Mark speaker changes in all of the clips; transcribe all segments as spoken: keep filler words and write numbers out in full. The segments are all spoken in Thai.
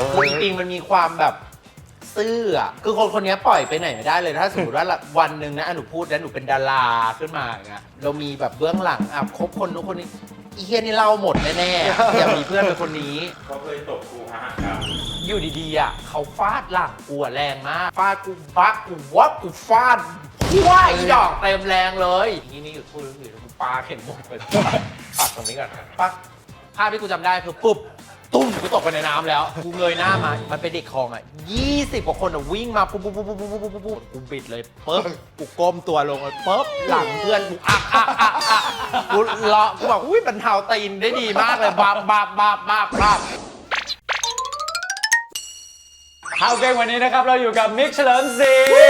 Speaker 1: คืออีปิงมันมีความแบบซื่ออ่ะคือคนคนนี้ปล่อยไปไหนไม่ได้เลยถ้าสมมติว่าวันหนึ่งนะหนูพูดแล้วหนูเป็นดาราขึ้นมาอย่างเงี้ยเรามีแบบเบื้องหลังอ่ะคบคนนู้นคนนี้อีเฮียนี่เล่าหมดแน่ๆอย่ามีเพื่อนเป็นคนนี้
Speaker 2: เขาเคยตบกูฮะครับ
Speaker 1: อยู่ดีๆอ่ะเขาฟาดหลังกูแรงมากฟาดกูบักกูวับกูฟาดว้ายดอกเต็มแรงเลยนี่นี่หยุดพูดหยุดกูปาเข็มหมดไปปัดตรงนี้ก่อนปักภาพที่กูจำได้คือปุ๊บตุ้มกูตกไปในน้ำแล้วกูเงยหน้ามามันเป็นเด็กคลองอ่ะยี่สิบกว่าคนอ่ะวิ่งมาปุ๊บปุ๊บปุ๊บปุ๊บปุ๊บปุ๊บปุ๊บกูบิดเลยปุ๊บกูก้มตัวลงเลยปุ๊บหลังเพื่อนกูอักอักอักอักกูเลาะกูบอกอุ้ยบรรเทาตีนได้ดีมากเลยบับบับบับบับบับ
Speaker 3: ข่าวเก่งวันนี้นะครับเราอยู่กับมิกเฉลิมศรี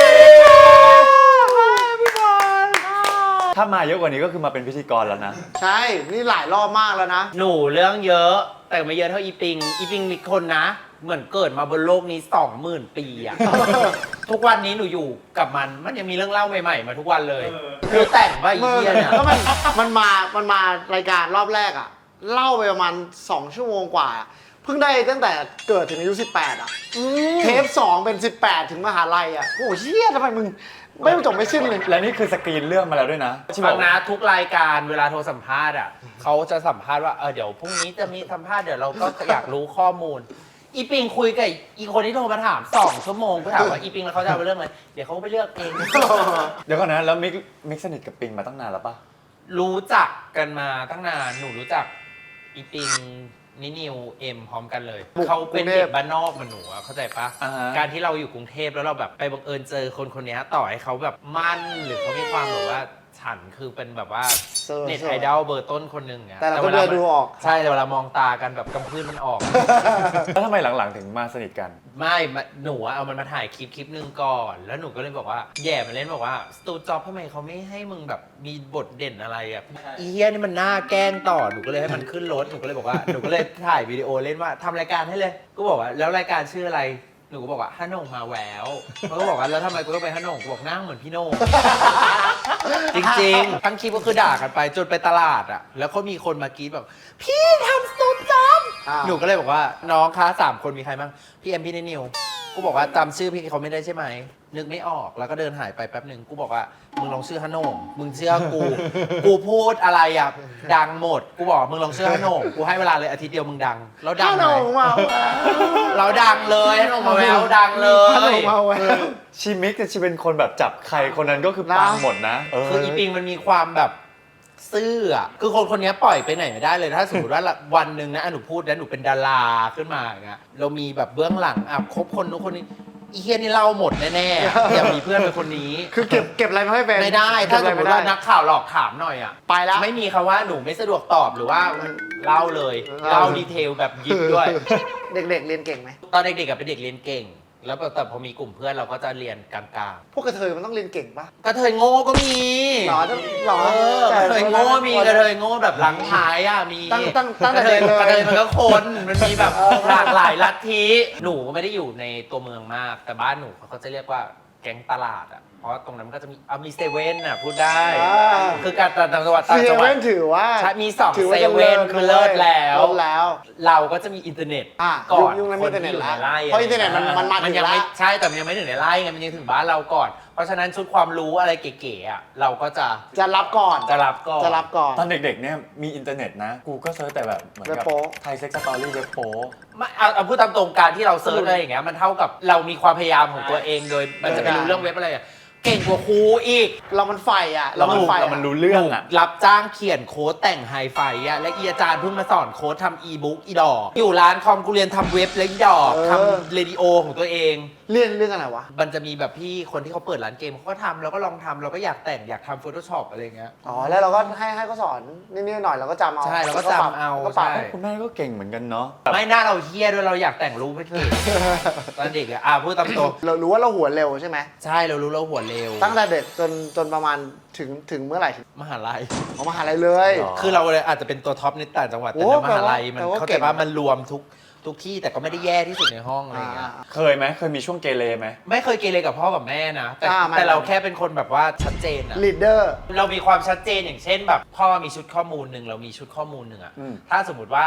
Speaker 3: ถ้ามาเยอะกว่านี้ก็คือมาเป็นพิธีกรแล้วนะ
Speaker 4: ใช่นี่หลายรอบมากแล้วนะ
Speaker 1: หนูเรื่องเยอะแต่ไม่เยอะเท่าอีปิงอีปิงมีคนนะเหมือนเกิดมาบนโลกนี้สองหมื่นปีอะ ทุกวันนี้หนูอยู่กับมันมันยังมีเรื่องเล่าใหม่ๆมาทุกวันเลยคือแต่งว่าอีเหี้ยเนี่ย
Speaker 4: แล้วมันมันมามันมารายการรอบแรกอะเล่าไปประมาณสองชั่วโมงกว่าเพิ่งได้ตั้งแต่เกิดถึงอายุสิบแปดอ่ะเทปสองเป็นสิบแปดถึงมหาลัยอ่ะโอ้เชี่ยทำไมมึงไม่จบไม่สิ้นเลย
Speaker 3: และนี่คือสกรีนเรื่องมาแล้วด้วยนะ
Speaker 1: ฟังนะทุกรายการเวลาโทรสัมภาษณ์อ่ะเขาจะสัมภาษณ์ว่าเออเดี๋ยวพรุ่งนี้จะมีสัมภาษณ์เดี๋ยวเราก็อยากรู้ข้อมูลอีปิงคุยกับอีคนที่โทรมาถามสองชั่วโมงก็ถามว่าอีปิงแล้วเขาจะเอาไปเรื่องอะไรเดี๋ยวเขาไปเลือกเอง
Speaker 3: เดี๋ยวก่อนนะแล้วมิกมิกสนิทกับปิงมาตั้งนานแล้วปะ
Speaker 1: รู้จักกันมาตั้งนานหนูรู้จักอีปิงนินิวเอ็มพร้อมกันเลยเขาเป็นเด็กบ้านนอกเหมือนหนูเข้าใจปะการที่เราอยู่กรุงเทพแล้วเราแบบไปบังเอิญเจอคนคนนี้ต่อให้เขาแบบมั่นหรือเขามีความแบบว่าฉันคือเป็นแบบว่าเน็ตไอดอลเบอร์ต้นคนหนึ่ง
Speaker 4: แต่เราก็เดินดูออก
Speaker 1: ใช่แต่เวลามองตากันแบบกำพื้นมันออก
Speaker 3: แล้วทำไมหลังๆถึงมาสนิทกัน
Speaker 1: ไม่หนูเอามันมาถ่ายคลิปคลิปนึงก่อนแล้วหนูก็เลยบอกว่าแย่มันเล่นบอกว่าสตูจ็อบทำไมเขาไม่ให้มึงแบบมีบทเด่นอะไรอ่ะอีเฮียนี่มันน่าแกล้งต่อหนูก็เลยให้มันขึ้นรถหนูก็เลยบอกว่าหนูก็เลยถ่ายวิดีโอเล่นว่าทำรายการให้เลยก็บอกว่าแล้วรายการชื่ออะไรหนูก็บอกว่าฮันโหน่งมาแววเขาก็บอกว่าแล้วทำไมกูต้องไปฮันโหน่งกูบอกนั่งเหมือนพี่โหน่งจริงๆทั้งคลิปก็คือด่ากันไปจนไปตลาดอ่ะแล้วก็มีคนมากรี๊ดแบบพี่ทำสตูจ็อบหนูก็เลยบอกว่าน้องคะสามคนมีใครบ้างพี่เอ็มพี่นิวกูบอกว่าจำชื่อพี่เขาไม่ได้ใช่ไหมนึกไม่ออกแล้วก็เดินหายไปแป๊บหนึ่งกูบอกว่ามึงลองชื่อฮันโหน่งมึงเชื่อกูกูพูดอะไรอ่ะดังหมดกูบอกมึงลองชื่อฮันโหน่งกูให้เวลาเลยอาทิตย์เดียวมึงดังแล้วดังไหมเราดังเลยฮันโหน่งมาแววดังเลยฮันโหน่งมาแวว
Speaker 3: ชีมิกแต่ชีเป็นคนแบบจับใครคนนั้นก็คือปังหมดนะ
Speaker 1: คืออีปิงมันมีความแบบซื่ออ่ะคือคนคนนี้ปล่อยไปไหนไม่ได้เลยถ้าสมมติว่าวันหนึ่งนะหนูพูดแล้วหนูเป็นดาราขึ้นมาอย่างเงี้ยเรามีแบบเบื้องหลังอ่ะคบคนนู้นคนนี้อีเฮียนี่เล่าหมดแน่ๆอย่ามีเพื่อนเป็นคนนี้
Speaker 4: คือเก็บเก็บอะไรไม่ให้เป็น
Speaker 1: ไม่ได้ถ้าสมมติว่านักข่าวหลอกถามหน่อยอ่ะ
Speaker 4: ไปแล้ว
Speaker 1: ไม่มีคำว่าหนูไม่สะดวกตอบหรือว่าเล่าเลยเล่าดีเทลแบบยิบด้วย
Speaker 4: เด็กๆเรียนเก่งไหม
Speaker 1: ตอนเด็กๆกับเป็นเด็กเรียนเก่งแล้วแต่พอมีกลุ่มเพื่อนเราก็จะเรียนกลาง
Speaker 4: ๆพวกกระเทยมันต้องเรียนเก่งปะ
Speaker 1: กระเทยโง่ก็มี
Speaker 4: หรอหรอก
Speaker 1: ระเทยโง่มีกระเทยโง่แบบหลังท้ายอ่ะมี
Speaker 4: ตั้งตั้งตั้ง
Speaker 1: กระเทยกระเทยมันก็คนมันมีแบบหลากหลายลัทธิหนูก็ไม่ได้อยู่ในตัวเมืองมากแต่บ้านหนูเขาจะเรียกว่าแก๊งตลาดอ่ะเพราะตรงนั้นก็จะมีเอามีเซเว่นอ่ะพูดได้คือการต่างจังหวัดต่างจังหวัด
Speaker 4: ถือว่า
Speaker 1: มีสองเซเว่นคือเลิศแล้ว
Speaker 4: แล้ว
Speaker 1: เราก็จะมีอินเทอร์เน็ตก่อน
Speaker 4: คนที่อยู่ใน
Speaker 1: ไร่
Speaker 4: เพราะอินเทอร์เน็ตมันมันมาถึงแล้ว
Speaker 1: ใช่แต่มันยังไม่ถึงในไร่ไงมันยังถึงบ้านเราก่อนเพราะฉะนั้นชุดความรู้อะไรเก๋ๆอ่ะเราก็จะ
Speaker 4: จะรับก่อน
Speaker 1: จะรับก่อน
Speaker 4: จะรับก่อน
Speaker 3: ตอนเด็กๆเนี่ยมีอินเทอร์เน็ตนะกูก็เซิร์ชแต่แบบเหมือนกับไทยเซ็กซ์สตอรี่เว็บโป๊
Speaker 1: ไม่เอาเอาพูดตามตรงการที่เราเซิร์ชอะไรอย่างเงี้ยมันเท่ากับเรามีความพยายามของตัวเองโดยมันจะไปรู้เรื่องเว็บอะไรอ่ะเก่งกว่าครูอีก
Speaker 4: เรามันไฟอ่ะ
Speaker 3: เรามันไฟเรามันรู้เรื่องอ่ะ
Speaker 1: รับจ้างเขียนโค้ดแต่งไฮไฟอ่ะและอีอาจารย์เพิ่งมาสอนโค้ดทำอีบุ๊กอีดอกอยู่ร้านคอมกูเรียนทำเว็บและอีดอกทำเรดิโอของตัวเอง
Speaker 4: เรียนเรื่องอะไรวะ
Speaker 1: มันจะมีแบบพี่คนที่เขาเปิดร้านเกมเขาก็ทำเราก็ลองทำเราก็อยากแต่งอยากทำ Photoshop อะไรเงี้ย
Speaker 4: อ๋อแล้วเราก็ให้ให้เขาสอนนิดๆหน่อยเราก็จำเอา
Speaker 1: ใช่เราก็จำเอา
Speaker 3: ใช่คุณแม่ก็เก่งเหมือนกันเนาะ
Speaker 1: ไม่น่าเราเฮี้ยด้วยเราอยากแต่งรูปให้เก่งตอนเด็กอ่ะพูดตามตรง
Speaker 4: เรารู้ว่าเราหัวเร็วใช่ไหม
Speaker 1: ใช่เรารู้เราหัวเร็ว
Speaker 4: ตั้งแต่เด็กจนจนประมาณถึงถึงเมื่อไหร่
Speaker 1: มหาลัย
Speaker 4: อ๋อมหาลัยเลย
Speaker 1: คือเราเลยอาจจะเป็นตัวท็อปในต่างจังหวัดแต่ในมหาลัยมันเข้าใจว่ามันรวมทุกทุกที่แต่ก็ไม่ได้แย่ที่สุดในห้องอะไรเงี้ย
Speaker 3: เคยไหมเคยมีช่วงเกเรไหม
Speaker 1: ไม่เคยเกเรกับพ่อกับแม่นะแต่แต่เราแค่เป็นคนแบบว่าชัดเจนอะ
Speaker 4: ลีดเดอร์
Speaker 1: เรามีความชัดเจนอย่างเช่นแบบพ่อมีชุดข้อมูลหนึ่งเรามีชุดข้อมูลหนึ่งอะถ้าสมมติว่า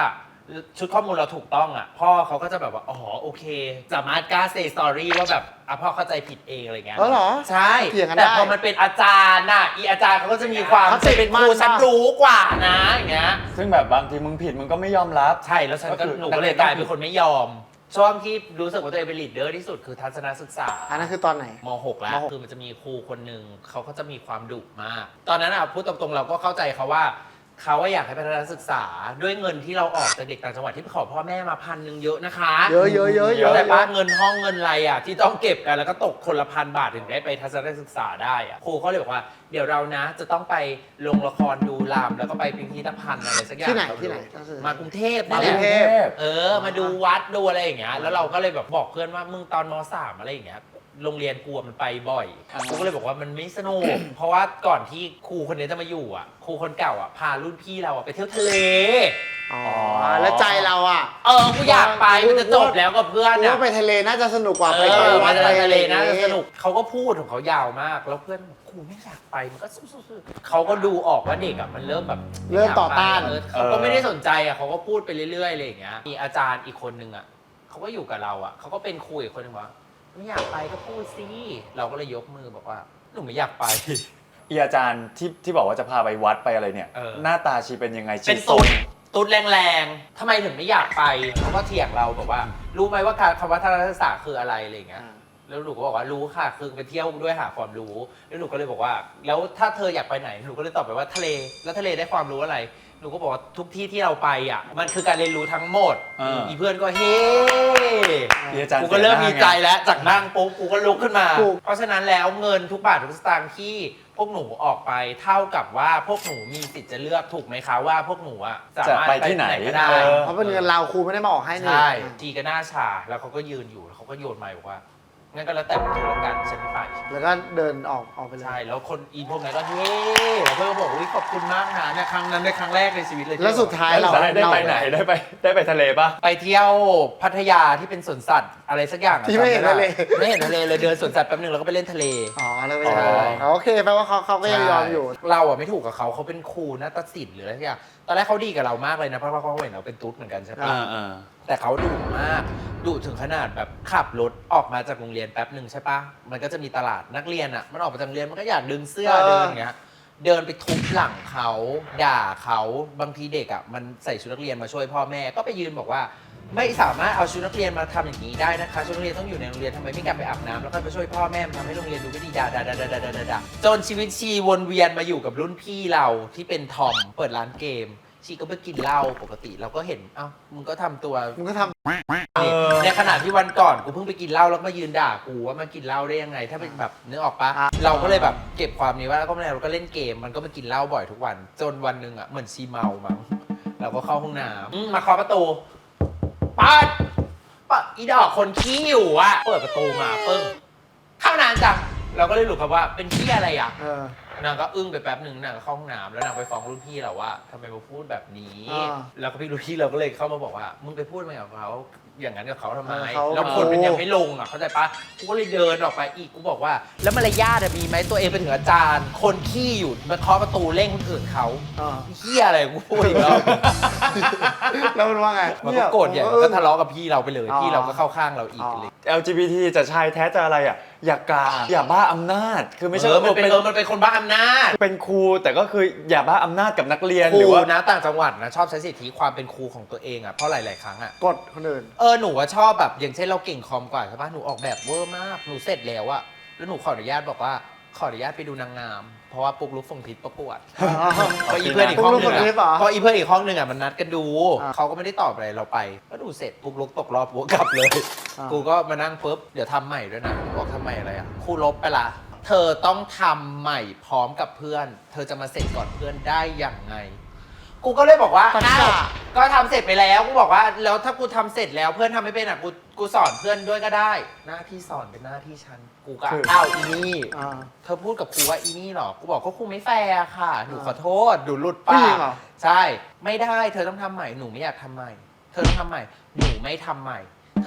Speaker 1: ชุดข้อมูลเราถูกต้องอ่ะพ่อเขาก็จะแบบว่าอ๋อโอเคสามารถกล้าเซสตอรี่ว่าแบบอ่ะพ่อเข้าใจผิดเองอะไรเงี้ย
Speaker 4: เออเหรอ
Speaker 1: ใช่
Speaker 4: เถียงกันได้
Speaker 1: แต่พอมันเป็นอาจารย์น่ะอีอาจารย์เขาก็จะมีความ
Speaker 4: เขาติด
Speaker 1: เป็นครู
Speaker 4: มาก
Speaker 1: ฉันรู้กว่านะอย่างเงี้ย
Speaker 3: ซึ่งแบบบางทีมึงผิดมึงก็ไม่ยอมรับ
Speaker 1: ใช่แล้วฉัน
Speaker 3: ก็
Speaker 1: ก็
Speaker 3: คือ
Speaker 1: หนูก็เลยกลายเป็นคนไม่ยอม ช่วงที่รู้สึกว่าตัวเองเป็นลีดเดอร์ที่สุดคือทัศนศึกษา
Speaker 4: อันนั้นคือตอนไหน
Speaker 1: ม หก แล้ว
Speaker 4: มหก
Speaker 1: คือมันจะมีครูคนหนึ่งเขาก็จะมีความดุมาก ตอนนั้นอ่ะพูดตรงๆเราก็เข้าใจเขาว่าเขาว่าอยากให้พัฒนาศึกษาด้วยเงินที่เราออกจากเด็กต่างจังหวัดที่ไปขอพ่อแม่มาพันหนึ่งเยอะนะคะ
Speaker 4: เยอะเยอะเยอะเยอะ
Speaker 1: แต่ป้าเงินห้องเงินอะไรอ่ะที่ต้องเก็บกันแล้วก็ตกคนละพันบาทถึงได้ไปทัศนศึกษาได้อ่ะครูเขาเลยบอกว่าเดี๋ยวเรานะจะต้องไปลงละครดูรำแล้วก็ไปพิพิธภัณฑ์อะไรสักอย่าง
Speaker 4: ที่ไหนที่ไหน
Speaker 1: มากรุงเทพ
Speaker 4: มา
Speaker 1: นั่น
Speaker 4: ก
Speaker 1: แห
Speaker 4: รุ
Speaker 1: ละ
Speaker 4: งเทพ
Speaker 1: เออ มาดูวัดดูอะไรอย่างเงี้ย แล้วเราก็เลยแบบบอกเพื่อนว่ามึงตอนมสามอะไรอย่างเงี้ย โรงเรียนกูอะมันไปบ่อย
Speaker 3: อ่า
Speaker 1: กูก็เลยบอกว่ามันไม่สนุก เพราะว่าก่อนที่ครูคนนี้จะมาอยู่อ่ะ ครูคนเก่าอ่ะพารุ่นพี่เราอ่ะไปเที่ยวทะเล
Speaker 4: อ๋อ แล้วใจเราอ่ะ
Speaker 1: เออ กูอยากไป มันจะจบแล้วกับเพื่อน
Speaker 4: กู
Speaker 1: อ่ะ
Speaker 4: ว่าไปทะเลน่าจะสนุกกว่า
Speaker 1: เอ
Speaker 4: ไป
Speaker 1: อ
Speaker 4: วั
Speaker 1: มา
Speaker 4: ด
Speaker 1: จะ
Speaker 4: ไป
Speaker 1: ไปทะเลนะ
Speaker 4: อไร
Speaker 1: จะสนุก เขาก็พูดของเขายาวมาก แล้วเพื่อนบอกครูไม่อยากไป มันก็สู้ๆๆเขาก็ดูออกว่าเด็กอ่ะมันเริ่มแบบ
Speaker 4: เริ่มต่อต้าน
Speaker 1: เออเขาก็ไม่ได้สนใจอ่ะเขาก็พูดไปเรื่อยๆอะไรอย่างเงี้ย มีอาจารย์อีกคนนึงอ่ะเขาก็อยู่กับเราอ่ะเขาก็เป็นครูอีกคนนึงว่าไม่อยากไปก็พูดสิเราก็เลยยกมือบอกว่าหนูไม่อยากไป
Speaker 3: อีอาจารย์ที่ที่บอกว่าจะพาไปวัดไปอะไรเนี่ย
Speaker 1: เออ
Speaker 3: หน้าตาชีเป็นยังไงชี
Speaker 1: เป็น
Speaker 3: ทร
Speaker 1: ตุ๊
Speaker 3: ง
Speaker 1: ดตุ๊ดแรงๆทำไมถึงไม่อยากไปเขาก็เถียงเราบอกว่า รู้ไหมว่าการคำว่าทัศนศึกษาคืออะไรอะไรอย่างเงี้ย แล้วหนูก็บอกว่ารู้ค่ะคือไปเที่ยวด้วยหาความรู้ แล้วหนูก็เลยบอกว่า แล้วถ้าเธออยากไปไหนหนูก็เลยตอบไปว่าทะเล แล้วทะเลได้ความรู้อะไร หนูก็บอกว่าทุกที่ที่เราไปอ่ะมันคือการเรียนรู้ทั้งหมด
Speaker 3: เอออี
Speaker 1: เพื่อนก็เฮ้
Speaker 3: อีอาจารย์
Speaker 1: กูก็เริ่มมีใจ
Speaker 3: เสียหน้าไง
Speaker 1: แล้วจากนั่งปุ๊บกูก็ลุกขึ้นมา
Speaker 4: ถูก
Speaker 1: เพราะฉะนั้นแล้วเงินทุกบาททุกสตางค์ที่พวกหนูออกไปเท่ากับว่าพวกหนูมีสิทธิ์จะเลือกถูกไหมคะว่าพวกหนูอ่ะสามารถ
Speaker 3: จะไปที่ไหน
Speaker 1: ก็ได้
Speaker 3: เออ
Speaker 4: เพราะเป็นเงินเราครูไม่ได้มาออกให้นี่
Speaker 1: ใช่ทีก็หน้าชาแล้วเขาก็ยืนอยู่แล้วเขาก็โยนไมค์บอกว่างั้นก็แล้วแต่มึงแล้วกันฉันไม่ไป
Speaker 4: แล้วก็เดินออกออกไปเลย
Speaker 1: ใช่แล้วคนอีพวกนั้นก็เฮ้แล้วเพื่อนก็บอกอุ้ยขอบคุณมากนะเนี่ยครั้งนั้นในครั้งแรกในชีวิตเลยที่
Speaker 4: แล้วสุดท้ายเรา
Speaker 3: ได้ได้ไปไหนได้ไปได้ไปทะเลปะ
Speaker 1: ไปเที่ยวพัทยาที่เป็นสวนสัตว์อะไรสักอย่างอะ
Speaker 4: ที่ไม่เห็นทะเล
Speaker 1: ไม่เห็นทะเลเลยเดินสวนสัตว์แป๊บนึงแล้วก็ไปเล่นทะเล
Speaker 4: อ๋อแล้วไป
Speaker 1: ใช่
Speaker 4: อ๋อโอเคแปลว่าเขาเขาก็ยังยอมอยู่
Speaker 1: เราอ่ะไม่ถูกกับเขาเขาเป็นครูนาฏศิลป์หรืออะไรสักอย่างตอนแรกเขาดีกับเรามากเลยนะเพราะว่าเขาเห็นเราเป็นตุ๊ดเหมือนกันใช่ปะ
Speaker 3: อ่าอ่า
Speaker 1: แต่เขาดุมากดุถึงขนาดแบบขับรถออกมาจากโรงเรียนแป๊บหนึ่งใช่ปะมันก็จะมีตลาดนักเรียนอ่ะมันออกมาจากโรงเรียนมันก็อยากดึงเสื้อ
Speaker 4: เออ
Speaker 1: เดินอย่างเงี้ยเดินไปทุบหลังเขาด่าเขาบางทีเด็กอ่ะมันใส่ชุดนักเรียนมาช่วยพ่อแม่ก็ไปยืนบอกว่า ไม่สามารถเอาชุดนักเรียนมาทำอย่างนี้ได้นะคะชุดนักเรียนต้องอยู่ในโรงเรียนทำไมไม่กลับไปอาบน้ำแล้วก็ไปช่วยพ่อแม่มันทำให้โรงเรียนดูไม่ดีด่าด่าด่าด่าด่าด่าด่าจนชีวิตชีวนเวียนมาอยู่กับรุ่นพี่เราที่เป็นทอมเปิดร้านเกมชีก็ไปกินเหล้าปกติเราก็เห็นเอ้ามึงก็ทำตัว
Speaker 4: มึงก็ทำ
Speaker 3: เออ
Speaker 1: ในขณะที่วันก่อนกูเพิ่งไปกินเหล้าแล้วมายืนด่ากูว่ามากินเหล้าได้ยังไง ถ้าเป็นแบบนึกออกปะ
Speaker 4: อ่ะ
Speaker 1: เราก็เลยแบบเก็บความนี้ไว่าแล้วก็ไม่ได้เราก็เล่นเกมมันก็มากินเหล้าบ่อยทุกวัน จนวันหนึ่งอ่ะเหมือนชีเมามั้งเราก็เข้าห้องน้ำอืมมาเคาะประตูปัดปะอีดอกคนขี้อยู่อ่ะเปิดประตูมาปึ้งเข้านานจังเราก็เลยหลุดคำว่าเป็นขี้อะไรอ่ะ
Speaker 4: เออ
Speaker 1: นางก็อึ้งไปแป๊บหนึ่งนางก็เข้าห้องน้ำแล้วนางไปฟ้องรุ่นพี่เราว่าทำไมมาพูดแบบนี้
Speaker 4: อ่า
Speaker 1: แล้วก็พี่รุ่นพี่เราก็เลยเข้ามาบอกว่ามึงไปพูดมากับเขาอย่างนั้นกับเขาทำไม
Speaker 4: เออเขา
Speaker 1: แล้วคนมันยังไม่ลงอ่ะเข้าใจปะกูก็เลยเดินออกไปอีกกูบอกว่า แล้วมารยาทอะมีไหมตัวเองเป็นถึงอาจารย์ คนขี้อยู่มาเคาะประตูเร่งคนอื่นเขา
Speaker 4: อ่า
Speaker 1: เฮียอะไรกูพูดอีกแล้ว
Speaker 4: แล้วมันว่าไง
Speaker 1: มันก็โกรธใหญ่มันก็ทะเลาะกับพี่เราไปเลย
Speaker 4: อ๋อ
Speaker 1: พี่เราก็เข้าข้างเราอีก
Speaker 4: อ๋อ
Speaker 1: เลย
Speaker 3: แอล จี บี ที จะชายแท้จะอะไรอ่ะ อย่ากาอย่าบ้าอำนาจ คือไม่ใช่
Speaker 1: เออมัน
Speaker 3: ว่า
Speaker 1: เป็นเออมันเป็นคนบ้าอำนาจ
Speaker 3: เป็นครูแต่ก็คืออย่าบ้าอำนาจกับนักเรียน
Speaker 1: ค
Speaker 3: ห
Speaker 1: รู
Speaker 3: รือว่า
Speaker 1: นะต่างจังหวัดนะชอบใช้สิทธิความเป็นครูของตัวเองอ่ะเพราะหลายๆครั้งอ่ะ
Speaker 4: กดคนอื่น
Speaker 1: เออหนูว่าชอบแบบอย่างเช่นเราเก่งคอมกว่าใช่ปะหนูออกแบบเวอร์มากหนูเสร็จแล้วอะแล้วหนูขออนุญาตบอกว่าขออนุญาตไปดูนางงาม เพราะว่าปุ๊กลุกส่งทิศประกวดเพราะอีเพื่อนอีกห้องหนึง
Speaker 4: ปุ๊กลุกส่งทิศเหรอ
Speaker 1: อะเพราะอีเพื่อนอีกห้องหนึงอะมันนัดกันดู
Speaker 4: อ่า
Speaker 1: เขาก็ไม่ได้ตอบอะไรเราไปก็ดูเสร็จปุ๊กลุกตกรอบปุ๊กกลับเลย
Speaker 4: อ่า
Speaker 1: กูก็มานั่งปุ๊บเดี๋ยวทำใหม่ด้วยนะบอกทำใหม่อะไรอะครูลบไปละเธอต้องทำใหม่พร้อมกับเพื่อน เธอจะมาเสร็จก่อนเพื่อนได้อย่างไง กูก็เลยบอกว่า
Speaker 4: ตัด
Speaker 1: อ้าว
Speaker 4: กะ
Speaker 1: ก็ทำเสร็จไปแล้วกูบอกว่าแล้วถ้ากูทำเสร็จแล้วเพื่อนทำไม่เป็นอ่ะกูกูสอนเพื่อนด้วยก็ได้ หน้าที่สอนเป็นหน้าที่ฉันกูก็
Speaker 3: คือ
Speaker 1: อ้าวอีนี่
Speaker 4: อ่า
Speaker 1: เธอพูดกับครูว่าอีนี่เหรอกูบอกก็ครูไม่แฟร์ค่ะหนูขอโทษหนูหลุด
Speaker 4: ผู้
Speaker 1: ปา
Speaker 4: หญิ
Speaker 1: ก
Speaker 4: งเหรอ
Speaker 1: ใช่ไม่ได้เธอต้องทำใหม่หนูไม่อยากทำใหม่ เธอต้องทำใหม่หนูไม่ทำใหม่ เธ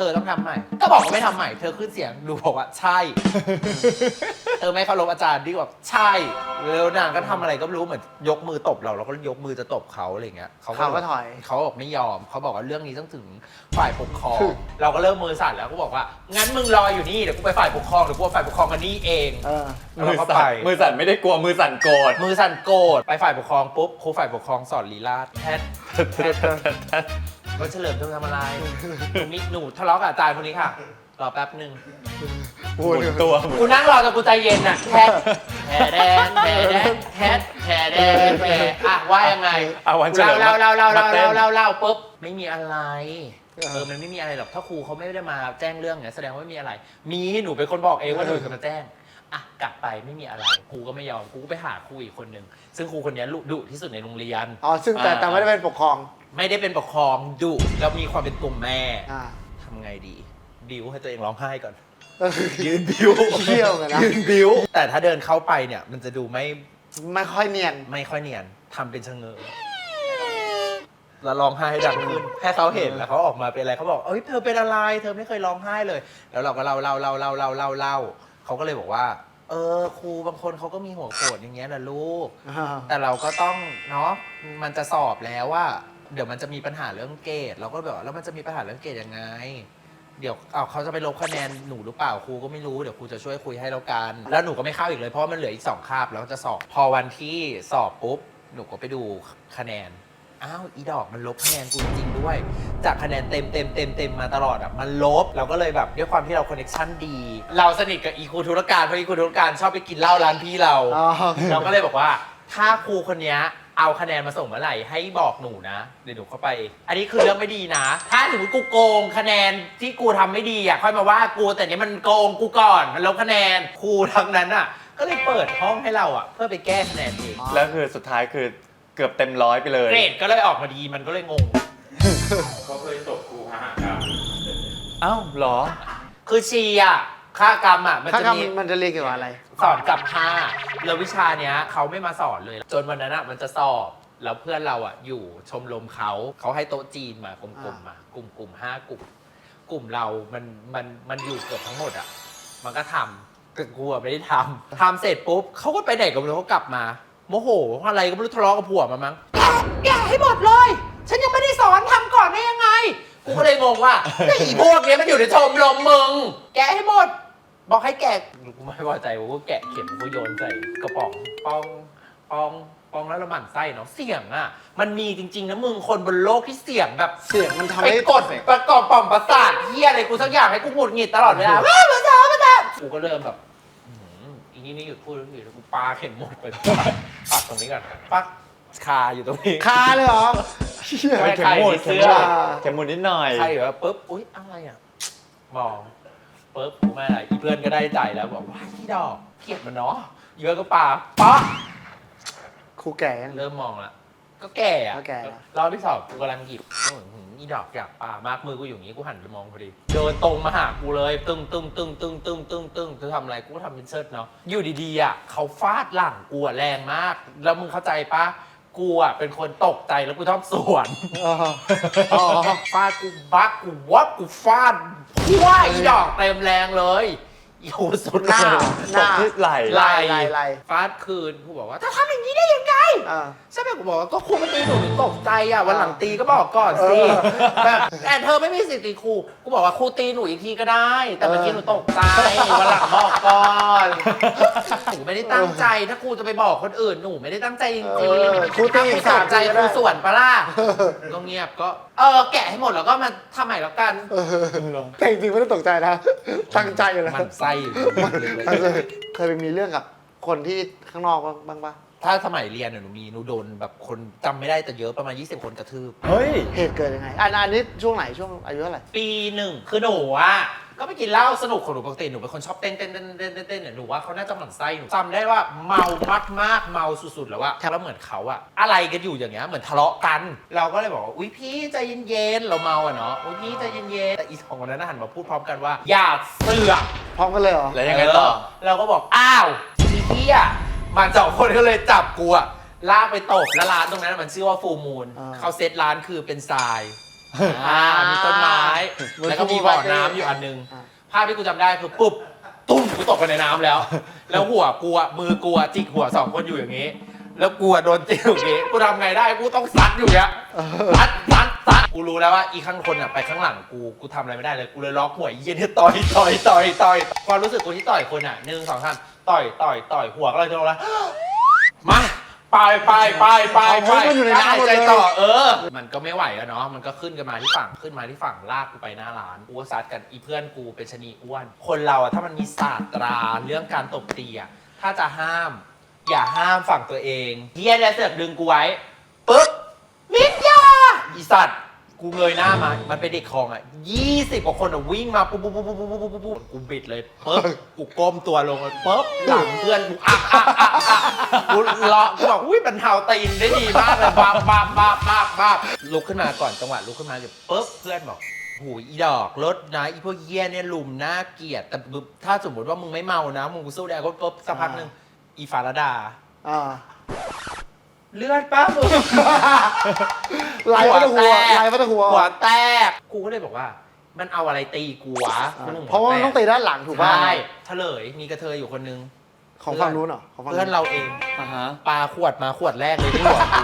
Speaker 1: ธอต้องทำใหม่ก็บอกว่าไม่ทำใหม่เธอขึ้นเสียงดูบอกว่าใช่ เธอไม่เคารพอาจารย์ดีกว่าใช่แล้วนางก็ทำอะไรก็ไม่รู้เหมือนยกมือตบเราเราก็ยกมือจะตบเขาอะไรเงี้ย
Speaker 4: เขาก็ถอย
Speaker 1: เขาบอกไม่ยอมเขาบอกว่าเรื่องนี้ต้องถึงฝ่ายปกครอง เราก็เริ่มมือสั่นแล้วก็บอกว่างั้นมึงรออยู่นี่เดี๋ยวกูไปฝ่ายปกครองเดี๋ยวกูไปฝ่ายปกครองกันนี่เอง
Speaker 4: เออ
Speaker 1: แล้ว
Speaker 3: มื
Speaker 1: เรา
Speaker 3: อ
Speaker 1: ก็
Speaker 3: สั่
Speaker 1: ไป
Speaker 3: นมือสั่นไม่ได้กลัวมือสั่นโกรธ
Speaker 1: มือสั่นโกรธไปฝ่ายปกครองปุ๊บครูฝ่ายปกครองสอนลีลาศแพทย์แพทย์ก็เฉลิมเธอทำอะไรหนูมีหนูทะเลาะกับอาจารย์คนนี้ค่ะรอแป๊บหนึ่ง
Speaker 3: หมุนตัวหมุน
Speaker 1: กูนั่งรอจนกูใจเย็นน่ะแพทแผลแดงแผลแดงแพทแผลแดงแผลอ่ะว่ายังไง
Speaker 3: เอาวันเฉลิม
Speaker 1: เล่าเล่าเล่าเล่า
Speaker 3: มาต้
Speaker 1: เล่าน เล่าเล่าปุ๊บไม่มีอะไรเออมันไม่มีอะไรหรอกถ้าครูเขาไม่ได้มาแจ้งเรื่องเนี่ยแสดงว่าไม่มีอะไร มีหนูเป็นคนบอกเองว่าเธอจะมาแจ้งอ่ะกลับไปไม่มีอะไรครูก็ไม่ยอมครูก็ไปหาครูอีกคนหนึ่งซึ่งครูคนนี้ดุที่สุดในโรงเรียน
Speaker 4: อ๋อซึ่งแต่แต่ไม่ได้เป็นปกครอง
Speaker 1: ไม่ได้เป็นปกครองดุแล้วมีความเป็นกลุ่มแม่
Speaker 4: อ่า
Speaker 1: ทำไงดีบิวให้ตัวเองร้องไห้ก่อน
Speaker 4: เออ
Speaker 1: ยืนบิว
Speaker 4: เที่ยวเลยนะ
Speaker 1: ยืนบิวแต่ถ้าเดินเข้าไปเนี่ยมันจะดูไม่
Speaker 4: ไม่ค่อยเนียน
Speaker 1: ไม่ค่อยเนียนทำเป็นชะเง้อแล้วร้องไห้ให้ดังขึ้นให้เขาเห็นแล้วเขาออกมาเป็นอะไรเขาบอกเอ้ยเธอเป็นอะไรเธอไม่เคยร้องไห้เลย แล้วเราก็เล่าเล่าเล่าเล่าเล่าเล่าเล่าเขาก็เลยบอกว่าเออครูบางคนเขาก็มีหัวโขนอย่างเงี้ยนะลูก แต่เราก็ต้องเนาะมันจะสอบแล้วว่าเดี๋ยวมันจะมีปัญหาเรื่องเกรดเราก็แบบว่าแล้วมันจะมีปัญหาเรื่องเกรดยังไง เดี๋ยวเอาเขาจะไปลบคะแนนหนูหรือเปล่าครูก็ไม่รู้เดี๋ยวครูจะช่วยคุยให้แล้วกันแล้วหนูก็ไม่เข้าอีกเลยเพราะมันเหลืออีกสองคาบแล้วจะสอบพอวันที่สอบปุ๊บหนูก็ไปดูคะแนนอ้าวอีดอกมันลบคะแนนกูจริงๆด้วยจากคะแนนเต็มเต็มเต็มเต็มมาตลอดอ่ะมันลบเราก็เลยแบบด้วยความที่เราคอนเนคชั่นดี เราสนิทกับอีครูธุรการเพราะอีครูธุรการชอบไปกินเหล้าร้านพี่เรา
Speaker 4: อ๋อ
Speaker 1: เราก็เลยบอกว่าถ้าครูคนนี้เอาคะแนนมาส่งเมื่อไหร่ให้บอกหนูนะเดี๋ยวหนูเข้าไป อันนี้คือเรื่องไม่ดีนะ ถ้าสมมติกูโกงคะแนนที่กูทำไม่ดีอ่ะค่อยมาว่ากูแต่เนี้ยมันโกงกูก่อนมันลบคะแนนครูทั้งนั้นอ่ะก็เลยเปิดห้องให้เราอ่ะเพื่อไปแก้คะแนนเอง
Speaker 3: แล้วคือสุดท้ายคือเกือบเต็มร้อยไปเลย
Speaker 1: เกรดก็เลยออกมาดีมันก็เลยงง
Speaker 2: เขาเคยตบครูพหกรรม
Speaker 3: เอ้าเหรอ
Speaker 1: คือชีอ่ะค่ากรรมอ่ะมัน
Speaker 4: ถ้า
Speaker 1: จะ
Speaker 4: กรรม
Speaker 1: มี
Speaker 4: มันจะเรียนเกี่ยวกับอะไร
Speaker 1: สอนกับผ้าแล้ววิชาเนี้ยเขาไม่มาสอนเลย จนวันนั้นอ่ะมันจะสอบแล้วเพื่อนเราอ่ะอยู่ชมรมเขาเขาให้โต๊ะจีนมากลุ่มๆมากลุ่มกลุ่มห้ากลุ่ม กลุ่มเรามันมันมันอยู่เกือบทั้งหมดอ่ะมันก็ทำแต่กูอะไม่ได้ทำทำเสร็จปุ๊บเขาก็ไปไหนก็ไม่รู้เขากลับมาโมโหอะไรก็ไม่รู้ทะเลาะกับผัวมามั้งแกแกให้หมดเลย ฉันยังไม่ได้สอนทำก่อนได้ยังไงกูก็เลยงงว่าไอ้พวกเนี้ยมันอยู่ในชมรมมึงแกะให้หมด บอกให้แกะกูไม่พอใจกูก็แกะเข็มกูโยนใส่กระป๋องปองปองปองแล้วละหมั่นไส้เนาะเสียงอ่ะมันมีจริงๆนะมึงคนบนโลกที่เสียงแบบ
Speaker 4: เสียงมันทำ
Speaker 1: ไป
Speaker 4: ให้
Speaker 1: กดประกอบป่อมประสาทเฮียอะไรกูสักอย่างให้กูหงุดหงิดตลอดเวลาว้าวมาจ้ามาจ้ากูก็เริ่มแบบอื้อหืออีนี่นี่หยุดพูดแล้วหยุดแล้วกูปาเข็มหมดไปปักตรงนี้ก่อนปักคาอยู่ตรงนี้
Speaker 4: คาเลยเหรอเชี่ย
Speaker 1: ไม่
Speaker 3: เข็มหมุน
Speaker 1: ใครมีเสื้
Speaker 3: เข็ม
Speaker 1: อ
Speaker 3: หมุนเข็มหมุนนิดหน่อย
Speaker 1: ใช่เหรอปุ๊บอุ๊ยอะไรอ่ะมองปุ๊บกูไม่อะไรอีเพื่อนก็ได้ใจแล้วบอกว่าที่ดอกเกลียดมันเนาะเยอะก็ปาป๊ะ
Speaker 4: ครูแก่ยัง
Speaker 1: เริ่มมองละก็แก่อะ
Speaker 4: ก็แก่ละ
Speaker 1: รอบที่สองกูกำลังหยิบอื้อหืออีดอกอยากปามากมือกูอยู่อย่างนี้กูหันไปมองพอดีเดินตรงมาหากูเลยตึ้งตึ้งตึ้งตึ้งตึ้งตึ้งตึ้งจะทำอะไรกูก็ทำเป็นเชิดเนาะอยู่ดีๆอ่ะเขาฟาดหลังกูอะแรงมาก แล้วมึงเข้าใจปะกูอ่ะเป็นคนตกใจแล้วกูชอบสวน
Speaker 4: อ๋ออ๋อ
Speaker 1: ฟาดกูบักกูวับกูฟาดพัวอีดอกเต็มแรงเลยอยู่สุด
Speaker 4: หน้า ห
Speaker 3: ต
Speaker 4: น้า
Speaker 3: กที่ไหล่
Speaker 4: ไล่ไล่ไล่
Speaker 1: ฟาดคืนกูบอกว่าถ้าทำอย่างนี้ได้ยังไง
Speaker 4: อ่า
Speaker 1: ใช่ไหมกูบอกว่าก็ครูมาตีหนูหนูตกใจอ่ะวันหลังตีก็บอกก่อนสิ
Speaker 4: เออ
Speaker 1: แบบแต่เธอไม่มีสิทธิ์ตีครูกูบอกว่าครูตีหนูอีกทีก็ได้ แต่เมื่อกี้หนูตกใจวันหลังบอกก่อนหนูไม่ได้ตั้งใจถ้าครูจะไปบอกคนอื่นหนูไม่ได้ตั้งใจจริง
Speaker 4: เออ
Speaker 1: ๆ
Speaker 4: ครูตี
Speaker 1: ถ้า
Speaker 4: อี
Speaker 1: ครู
Speaker 4: ก
Speaker 1: ส
Speaker 4: สาน ม
Speaker 1: ใจ
Speaker 4: ทีก็
Speaker 1: ค
Speaker 4: ได้
Speaker 1: รูส่วนปะล่ะก็เงียบก็เออแกะให้หมดแล้วก็มาทำใหม่แล้วกัน
Speaker 4: เออแต่จริงๆไม่ได้ตกใจนะตั้งใจอยู่แล้ว
Speaker 1: มันไส้อยู่
Speaker 4: เคยไปมีเรื่องกับคนที่ข้างนอกบ้างปะ
Speaker 1: ถ้าสมัยเรียนเนี่ยหนูมีหนูโดนแบบคนจำไม่ได้แต่เยอะประมาณยี่สิบคนกระทืบ
Speaker 3: เฮ้ย
Speaker 4: เหตุเกิดยังไงอันอันนี้ช่วงไหนช่วงอายุเท่าไหร่
Speaker 1: ปีหนึ่งคือหนูอ่ะก็ไปกินเหล้าสนุกของหนูปกติหนูเป็นคนชอบเต้นเต้นเต้นเต้นเต้นเต้นเนี่ยหนูว่าเขาน่าจะหมั่นไส้หนูจำได้ว่าเมามากมากๆเมาสุดๆแล้วว่าแล้วเหมือนเขาอะอะไรกันอยู่อย่างเงี้ยเหมือนทะเลาะกัน เราก็เลยบอกว่าอุ้ยพี่ใจเย็นๆเราเมาอะเนาะอุ้ยพี่ใจเย็นๆแต่อีสองคนนั้นนะหันมาพูดพร้อมกันว่าอย่าเสือก
Speaker 4: พร้อมกันเลยเหรอ
Speaker 3: แล้วยังไงต่อ
Speaker 1: เเราก็บอกอ้าวอีพี่อะมันสองคนก็เลยจับกูอะลากไปตบแล้วร้านตรงนั้นมันชื่อว่าฟูมูลเขาเซตร้านคือเป็นทรายอ่ามีต้นไม้ แล้วก็มีบ่อน้ำอยู่อันนึง ภาพที่กูจำได้คือปุ๊บตุ้มกูตกไปในน้ำแล้ว แล้วหัวกูอะมือกูอะจิกหัวสองคนอยู่อย่างนี้ แล้วกูอะโดนจิกอย่างนี้กูทำไงได้กูต้องซัดอยู่เนี้ยซัดซัดซัดกูรู้แล้วว่าอีข้างคนอะไปข้างหลังกูกูทำอะไรไม่ได้เลยกูเลยล็อกหัวไอ้เหี้ยเนี่ยต่อยต่อยต่อยต่อยความรู้สึกกูที่ต่อยคนอะหนึ่งสองสามต่อยต่อยต่อยหัวก็เลยจะลงแล้วมาไปไปไปไปไปหายใจต่อเออ มันก็ไม่ไหวอะเนาะมันก็ขึ้นกันมาที่ฝั่งขึ้นมาที่ฝั่งลากกูไปหน้าร้านกูก็ซัดกันอีเพื่อนกูเป็นชะนีอ้วนคนเราอะถ้ามันมีศาสตราเรื่องการตบตีอะถ้าจะห้ามอย่าห้ามฝั่งตัวเองเฮียเนี่ยเสือกดึงกูไว้ปึ๊บมิดยาอีสัตว์กูเงยหน้ามามันเป็นเด็กคลองอ่ะยี่สิบกว่าคนอ่ะวิ่งมาปุ๊บปุ๊บปุ๊บปุ๊บปุ๊บปุ๊บปุ๊บกูบิดเลยปึ๊บกูก้มตัวลงเลยปึ๊บหลังเพื่อนกูอักอักอักอักกูเลาะกูบอกอุ้ยบรรเทาตีนได้ดีมากเลยบ้าบ้าบ้าบ้าบ้าลุกขึ้นมาก่อนจังหวะลุกขึ้นมาเดี๋ยวปึ๊บเพื่อนบอกหูอีดอกรถนะอีพวกเยี่ยเนี่ยลุมน่าเกลียดแต่ถ้าสมมติว่ามึงไม่เมานะมึงกูสู้ได้ก็ปุ๊บสักพักนึงอีฟาราดา
Speaker 4: อ่า
Speaker 1: เลือดป้ามึง
Speaker 4: ไหลมาตะหัวไหลมาตะหัว
Speaker 1: หัวแตกกูก็เลยบอกว่า มันเอาอะไรตีกูวะ
Speaker 4: เพราะว่ามันต้องตีด้านหลังถูกป่ะ
Speaker 1: ใช่เฉลยมีกระเทยอยู่คนนึง
Speaker 4: ของฝั่งนู้นเหรอของฝั่ง
Speaker 1: เพื่อนเราเอง
Speaker 3: อ่าฮะ
Speaker 1: ปาขวดมาขวดแรกเลยที่หัวกู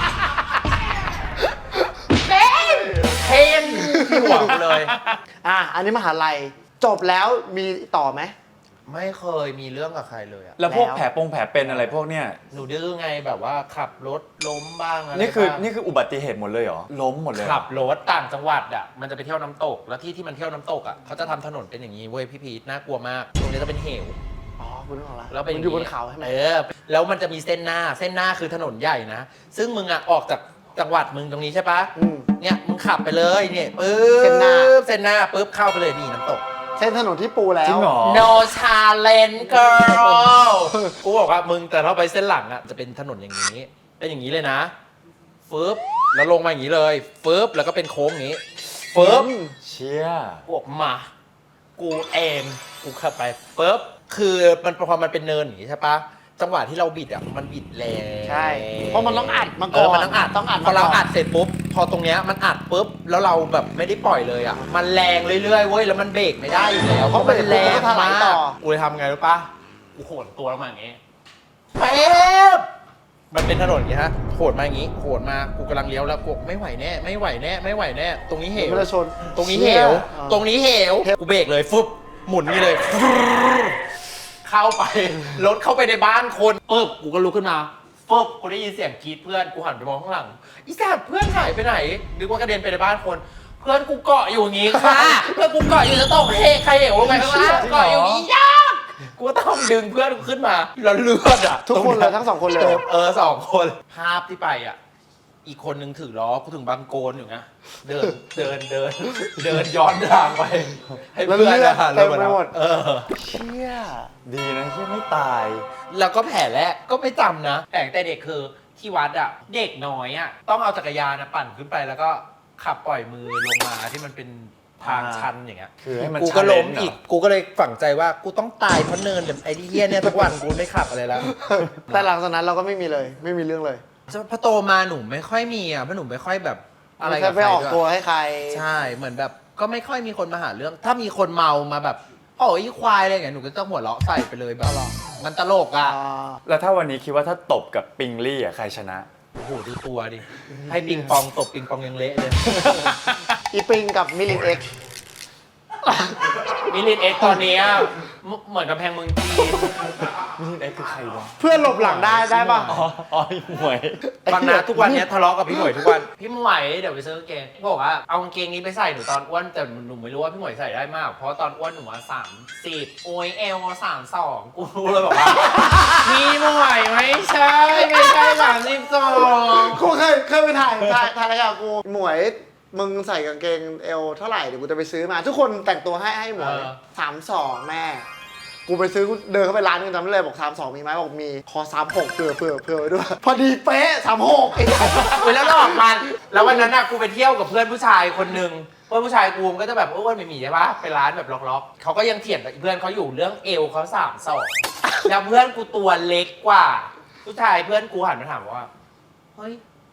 Speaker 1: เพ่งเพ่งที่หัวกูเลย
Speaker 4: อ่ะอันนี้มหาลัยจบแล้วมีต่อไหม
Speaker 1: ไม่เคยมีเรื่องกับใครเลยอะ
Speaker 3: แล้วพวก
Speaker 4: แล้ว
Speaker 3: แผลปงแผลเป็นอะไรพวกเนี้ย
Speaker 1: หนูดื้อไงแบบว่าขับรถล้มบ้างอะไร
Speaker 3: นี่คือ
Speaker 1: บ้าง
Speaker 3: นี่คืออุบัติเหตุหมดเลยเหรอ ล้มหมดเลยเหรอ
Speaker 1: ขับรถต่างจังหวัดอ่ะมันจะไปเที่ยวน้ำตก แล้วที่ที่มันเที่ยวน้ำตกอ่ะเขาจะทำถนนเป็นอย่างนี้เว้ยพี่พีทน่ากลัวมากตรงนี้จะเป็นเหว
Speaker 4: อ๋อคุณนึกออกแล้ว
Speaker 1: แล้วเป็น
Speaker 4: มันอยู่บนเขาใช่ไหม
Speaker 1: เออแล้วมันจะมีเส้นหน้าเส้นหน้าคือถนนใหญ่นะซึ่งมึงอ่ะออกจากจังหวัดมึงตรงนี้ใช่ปะ
Speaker 4: อืม
Speaker 1: เนี่ยมึงขับไปเลยเนี่ยปึ๊บ
Speaker 4: เส้นหน้า
Speaker 1: เส้นหน้าปึ๊บเข้าไปเลยนี่น้ำตก
Speaker 4: เส้นถนนที่ปูแล้ว
Speaker 3: จริงเหรอ
Speaker 1: no challenge girl กูบอกว่ามึงแต่ถ้าไปเส้นหลังอ่ะจะเป็นถนนอย่างนี้ เป็นอย่างนี้เลยนะฟึบแล้วลงมาอย่างนี้เลยฟึบแล้วก็เป็นโค้งอย่างนี้ฟึบ
Speaker 3: เชี่ย
Speaker 1: กูออกมา กูเองกูขับไปปุ๊บคือมันพอมันเป็นเนินอย่างนี้ใช่ปะจังหวะที่เราบิดอ่ะมันบิดแรง
Speaker 4: ใช่เพราะมันต้องอัดมา
Speaker 1: เอ
Speaker 4: ก่อ
Speaker 1: อน มันต้องอัด
Speaker 4: ต้องอัด
Speaker 1: พอเรา
Speaker 4: มก่น
Speaker 1: อัดเสร็จปุ๊บพอตรงเนี้ยมันอัดปุ๊บแล้วเราแบบไม่ได้ปล่อยเลยอ่ะมันแรงเรื่อยๆเว้ยแล้วมันเบรกไม่ได้อยู่แล้วเพราะมันแรง
Speaker 4: ถลาม
Speaker 1: าย
Speaker 4: ต่อก
Speaker 1: กูเลยทำไงรู้ปะกูโหนตัวลงมาอย่างงี้เป๊บมันเป็นถนนอย่างงี้ฮะโหนมาอย่างงี้โหนมากูกำลังเลี้ยวแล้วกูไม่ไหวแน่ไม่ไหวแน่ไม่ไหวแน่ตรงนี้เหว
Speaker 4: มันจะชน
Speaker 1: ตรงนี้เหว ตรงนี้เหว กูเบรกเลยฟึบหมุนนี่เลยฟึบเข้าไป รถเข้าไปในบ้านคนปึ๊บกูก็ลุกขึ้นมาฟึบกูได้ยินเสียงกรีดเพื่อน กูหันไปมองข้างหลัง อีสัตว์เพื่อนหายไปไหนนึกว่ากระเด็นไปในบ้านคน เพื่อนกูเกาะอยู่อย่างงี้ค่ะ เพื่อนกูเกาะอยู่จะตกเฮใครเหวลงไปข้างล่างเกาะอยู่อย่างงี้ยากกูก็ต้องดึงเพื่อนกูขึ้นมาแล้วเลือดอ่ะ
Speaker 4: ทุกคนเลยทั้งสองคนเลย
Speaker 1: เออสองคน ภาพที่ไปอ่ะ อีกคนนึงถือล้อกูถึงบางโกนอยู่นะเดินเดินเดินเดินย้อนทางไปให้เพื่อนอะ
Speaker 4: เต็มไปหมด
Speaker 1: เออ
Speaker 4: เชี่ย
Speaker 3: ดีนะที่ไม่ตาย
Speaker 1: แล้วก็แผลแรกก็ไม่จำนะแต่แต่เด็กคือที่วัดอ่ะเด็กน้อยอ่ะต้องเอาจักรยานนะปั่นขึ้นไปแล้วก็ขับปล่อยมือลงมาที่มันเป็นทางชันอย่างเงี้ย
Speaker 3: คือให้มัน
Speaker 1: กูก็ล้ม
Speaker 3: challenge
Speaker 1: อีกกูก็เลยฝังใจว่ากูต้องตายเพราะเนินแบบไอ้ที่เฮี้ยเนี่ยทุกวันกูไม่ขับอะไรแล้ว
Speaker 4: แต่หลังจากนั้นเราก็ไม่มีเลย ไม่มีเรื่องเลย
Speaker 1: พอโตมาหนูไม่ค่อยมีอ่ะเพราะหนูไม่ค่อยแบบอะไร
Speaker 4: ไม่
Speaker 1: กับ
Speaker 4: เคย
Speaker 1: ใค
Speaker 4: ไป
Speaker 1: ร
Speaker 4: ออก
Speaker 1: ด้วย
Speaker 4: ตัวให้ใคร
Speaker 1: ใช่เหมือนแบบก็ไม่ค่อยมีคนมาหาเรื่อง ถ้ามีคนเมามาแบบโอ้ยควายอะไรอย่างเงี้ยหนูก็ต้องหัวเราะใส่ไปเลยแบบมันตลกอ่ะ
Speaker 4: อ่า
Speaker 3: แล้วถ้าวันนี้คิดว่าถ้าตบกับปิงลี่อ่ะใครชนะ
Speaker 1: โอ้โหดูตัวดิให้ปิงปองตบปิงปองยังเละเลย
Speaker 4: อีปิงกับมิลินเอ็กซ์
Speaker 1: มิลินเอ็กซ์ตอนเนี้ยเหมือนกับแพงเมืองจีน
Speaker 3: มิลินเอ็กซ์คือใครวะ
Speaker 4: เพื่อนหลบหลังได้ได้ป่ะ
Speaker 3: อ๋ออ๋อหมวย
Speaker 1: บางนาทุกวันเนี้ยทะเลาะกับพี่หมวยทุกวันพี่หมวยเดี๋ยวไปซื้อกางเกงบอกว่าเอากางเกงนี้ไปใส่หนูตอนอ้วนแต่หนูไม่รู้ว่าพี่หมวยใส่ได้มากเพราะตอนอ้วนหนูมาสามสิบโอยเอลสามสองกูรู้เลยบอกว่าพี่หมวยไม่ใช่ไม่ใช่สามสิบสอง
Speaker 4: กูเคยเคยไปถ่ายถ่ายถ่ายรายการกูหมวยมึงใส่กางเกงเอวเท่าไหร่เดี๋ยวกูจะไปซื้อมา ทุกคนแต่งตัวให้ให้หมวยสามสองแม่ กูไปซื้อกูเดินเข้าไปร้านนึงจำได้เลยบอกสามสองมีไหมบอกมีขอสามหกเผื่อเผื่อเผื่อไว้ด้วย พอดีเป๊ะสามหกไอ้
Speaker 1: เว้ยแล้วหลอกมันแล้ววันนั้นน่ะกูไปเที่ยวกับเพื่อนผู้ชายคนหนึ่งเพื่อนผู้ชายกูมันก็จะแบบอ้วนไม่มีใช่ปะไปร้านแบบล็อกๆเขาก็ยังเถียงกับเพื่อนเขาอยู่เรื่องเอวเขาสามสองแล้วเพื่อนกูตัวเล็กกว่า ผู้ชายเพื่อนกูหันมาถามว่าเฮ้ย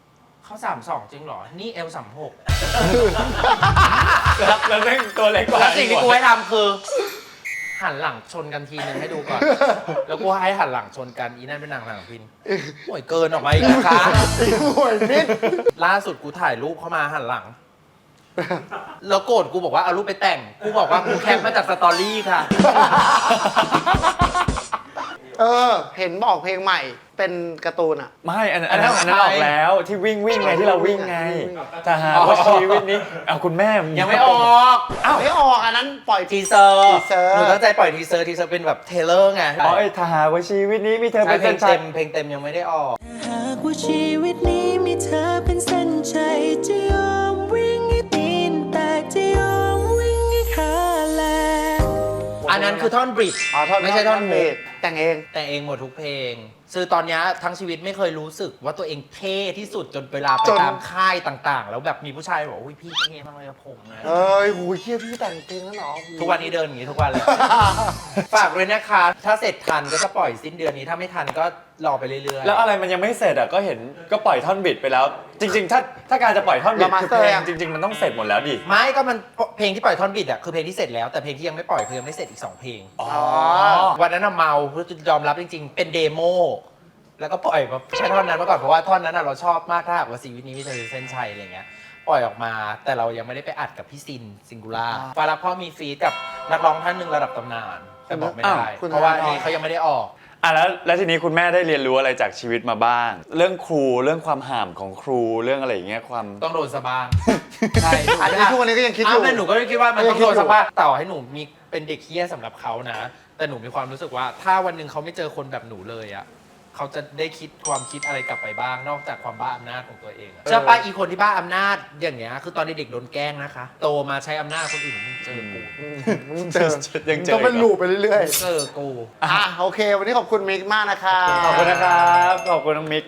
Speaker 1: เขาสามสองจริงเหรอ นี่เอลสามหก
Speaker 3: แล้วแล้วแม่งตัวเล็กกว่า
Speaker 1: แล้วสิ่งที่กูให้ทำคือ หันหลังชนกันทีนึงให้ดูก่อน แล้วกูให้หันหลังชนกันอีนั่นเป็นนางหลังพินโอ้ยเกินออกมาอีกนะคะ
Speaker 4: โอ้ยมิด
Speaker 1: ล่าสุดกูถ่ายรูปเข้ามาหันหลัง แล้วโกรธกูบอกว่าเอารูปไปแต่ง กูบอกว่ากูแคปมาจากสตอรี่ค่ะ
Speaker 4: เออ เห็นบอกเพลงใหม่เป็นการ์ตูนอ่ะ
Speaker 3: ไม่อันนั้นอันนั้นอันนั้นออกแล้วที่วิ่งวิ่งไงที่เราวิ่งไง
Speaker 4: วิ่ง
Speaker 3: แต่หาว่าชีวิตนี้เอาคุณแม่
Speaker 1: ยังไม่ออก
Speaker 4: อ้าวไม่ออกอันนั้นปล่อยที
Speaker 1: ทีเซอร์
Speaker 4: ทีเซอร์
Speaker 1: หนูตั้งใจปล่อยทีเซอร์ทีเซอร์เป็นแบบเทเลอร์ไง
Speaker 3: อ๋อไอ้ถ้าหาว่าชีวิตนี้มีเธอ
Speaker 1: ใช่
Speaker 3: เป็น
Speaker 1: เพล
Speaker 3: เส้
Speaker 1: ง
Speaker 3: นชั
Speaker 1: เต็
Speaker 3: ย
Speaker 1: มเพลงเต็มยังไม่ได้ออก
Speaker 5: หากว่าชีวิตนี้มีเธอเป็นเส้นชัยจะยอมวิ่งให้ตีนแตกจะยอมวิ่งให้ขาแหลก
Speaker 1: อันนั้นคือท่อนบริดจ์
Speaker 4: อ๋อท่อน
Speaker 1: ไม่ใช่ท่อน
Speaker 4: เบ
Speaker 1: เบ
Speaker 4: ส
Speaker 1: ส
Speaker 4: แต่งเอง
Speaker 1: แต่งเองหมดทุกเพลงคือตอนเนี้ยทั้งชีวิตไม่เคยรู้สึกว่าตัวเองเท่ที่สุดจนเวลาไป
Speaker 4: จน
Speaker 1: ตามค่ายต่างๆ แล้วแบบมีผู้ชายบอกอุ้ยพี่เท่มากเลยอะผมนะ
Speaker 4: เอ้ยโหเฮียพี่แต่งเพลงแล้วเหรอ
Speaker 1: ทุกวันนี้เดินอย่างนี้ทุกวันเลย ฝากเลยนะคะ ถ้าเสร็จทันก็จะปล่อยสิ้นเดือนนี้ถ้าไม่ทันก็รอไปเรื่อยๆ
Speaker 3: แล้วอะไรมันยังไม่เสร็จอ่ะก็เห็นก็ปล่อยท่อนบิดไปแล้ว จริง ๆ ถ้าถ้าการจะปล่อยท่อนบิดคือเพลงจริง ๆ มันต้องเสร็จหมดแล้วดิ
Speaker 1: ไม่ก็มันเพลงที่ปล่อยท่อนบิดอะคือเพลงที่เสร็จแล้วแต่เพลงที่ยังไม่ปล่อยคือยังไม่เสร็จอีกสองเพลง
Speaker 3: อ๋อ
Speaker 1: วันนั้นน่ะเมาเพื่อยอมรับจริงๆ เป็นเดโมแล้วก็ปล่อยมาแค่ท่อนนั้นมาก่อนเพราะว่าท่อนนั้นน่ะเราชอบมากถ้าหากว่าชีวิตนี้มีเธอเส้นชัยอะไรเงี้ยปล่อยออกมาแต่เรายังไม่ได้ไปอัดกับพี่ซินซิงคูล่าฟารับพ่อมีฟีดกับนักร้องท่านหนึ่งระดับตำนานแต่บอกไม่ได้
Speaker 4: อ้าวคุณ
Speaker 1: เพราะว่า
Speaker 4: ธนาธร
Speaker 1: นี่เขายังไม่ได้ออก
Speaker 3: อ่ะแล้วแล้วทีนี้คุณแม่ได้เรียนรู้อะไรจากชีวิตมาบ้าง เรื่องครูเรื่องความห่ามของครูเรื่องอะไรอย่างเงี้ยความ
Speaker 1: ต้องโดนสะบ้างใช่
Speaker 4: อันนี้ทุกวันนี้ก็ยังคิดอยู่
Speaker 1: อ้าวแต่หนูก็คิดว่ามันต้อง
Speaker 4: ก็ยังคิด
Speaker 1: โด
Speaker 4: อยู่
Speaker 1: นสะบ้างต่อให้หนูมีเป็นเด็กเฮี้ยสำหรับเขานะ แต่หนูมีความรู้สึกว่าถ้าวันหนึ่งเขาไม่เจอคนแบบหนูเลยอะเขาจะได้คิดความคิดอะไรกลับไปบ้าง นอกจากความบ้าอำนาจของตัวเองอะเชื่อป้าอีคนที่บ้าอำนาจอย่างเงี้ยคือตอนเด็กๆโดนแกล้งนะคะ โตมาใช้อำนาจคนอื่นมึงเจอกู
Speaker 4: มึงเจอ
Speaker 3: ยังเจอ
Speaker 4: ต้องเป็นลูปไปเรื่อย
Speaker 1: เจอกู
Speaker 4: ๆอ่ะโอเค วันนี้ขอบคุณมิกมากนะครับ
Speaker 3: ขอบคุณนะครับขอบคุณน้องมิก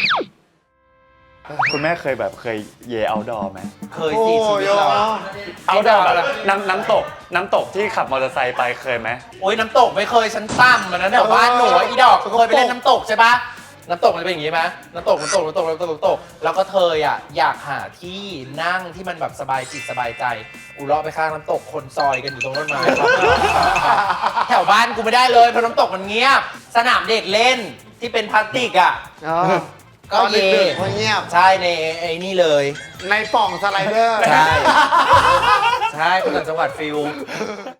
Speaker 3: คุณแม่เคยแบบเคยเยเอาดอไหม
Speaker 1: เคยสิชีวิตเรา
Speaker 3: เอาดอแบบน้ำน้ำตกน้ำตกที่ขับมอเตอร์ไซค์ไปเคยไหม
Speaker 1: โอ้ยน้ำตกไม่เคยฉันตั้มมันนั้นแถวบ้านหนูอะอีดอกเคยไปเล่นน้ำตกใช่ปะน้ำตกมันจะเป็นอย่างงี้ไหมน้ำตกน้ำตกน้ำตกน้ำตกน้ำตกแล้วก็เธออ่ะอยากหาที่นั่งที่มันแบบสบายจิตสบายใจกูเลาะไปข้างน้ำตกคนซอยกันอยู่ตรงต้นไม้ แถวบ้านกูไม่ได้เลยเพราะน้ำตกมันเงียบ สนามเด็กเล่นที่เป็นพลาสติกอ่ะ
Speaker 4: อ๋อ
Speaker 1: ก็
Speaker 4: ตอน
Speaker 1: เย่
Speaker 4: ดึกๆเงียบ
Speaker 1: ใช่ในไอ้นี่เลย
Speaker 4: ในป่องสไลเดอร์
Speaker 1: ใช่ ใช่คนต่างจังหวัดฟิล